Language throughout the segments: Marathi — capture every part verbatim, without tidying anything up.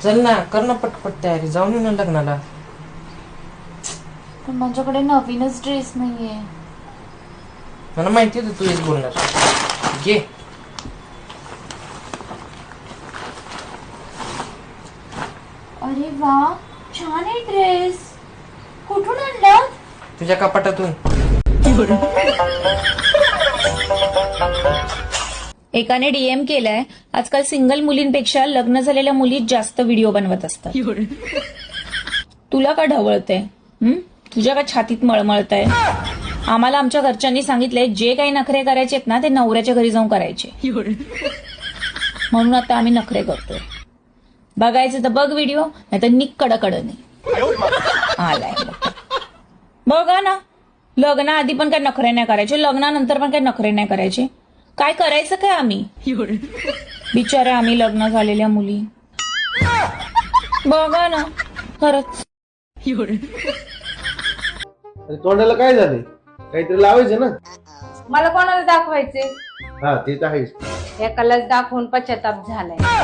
चल ना, कर ना पटपट तयारी, जाऊन येऊ ना लग्नाला. पण माझ्याकडे नवीनच ड्रेस नाहीये. मला माहिती होतं तू हेच बोलणार. घे. अरे वा, छान आहे ड्रेस. कुठून आणला? तुझ्या कपाटातून. एकाने डीएम केलाय, आजकाल सिंगल मुलींपेक्षा लग्न झालेल्या मुली जास्त व्हिडिओ बनवत असतात. तुला का ढवळतंय? हं? तुझ्या का छातीत मळमळतंय? आम्हाला आमच्या घरच्यांनी सांगितलंय जे काही नखरे करायचे आहेत ना ते नवऱ्याच्या घरी जाऊन करायचे. म्हणून आता आम्ही नखरे करतोय. बघायचं तर बघ व्हिडिओ, नाही तर निक कडकडनी आलाय. बघा ना, लग्नाआधी पण काय नखरे नाही करायचे, लग्नानंतर पण काय नखरे नाही करायचे. काय करायचं काय आम्ही? बिचाऱ्या आम्ही लग्न झालेल्या मुली. बघा ना, खरंच. तोंडाला काय झाले? काहीतरी लावायचं ना. मला कोणाला दाखवायचे? हा ते तर आहेच. एकालाच दाखवून पश्चाताप झालाय.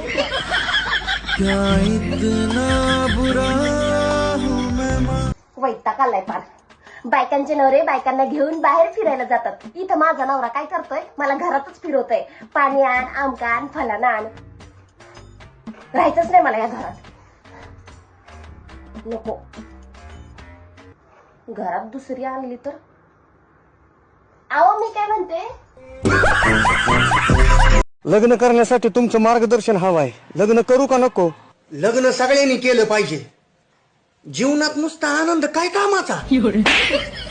वैताग आलाय फार. बायकांचे नवरे बायकांना घेऊन बाहेर फिरायला जातात. इथं माझा नवरा काय करतोय? मला घरातच फिरवतोय. पाणी आण, आमका आण, फलाना आण. राहायचंच नाही मला या घरात. नको. घरात दुसरी आणली तर. अहो मी काय म्हणते, लग्न करण्यासाठी तुमचं मार्गदर्शन हवं आहे. लग्न करू का नको? लग्न सगळ्यांनी केलं पाहिजे. जीवनात नुसता आनंद काय कामाचा.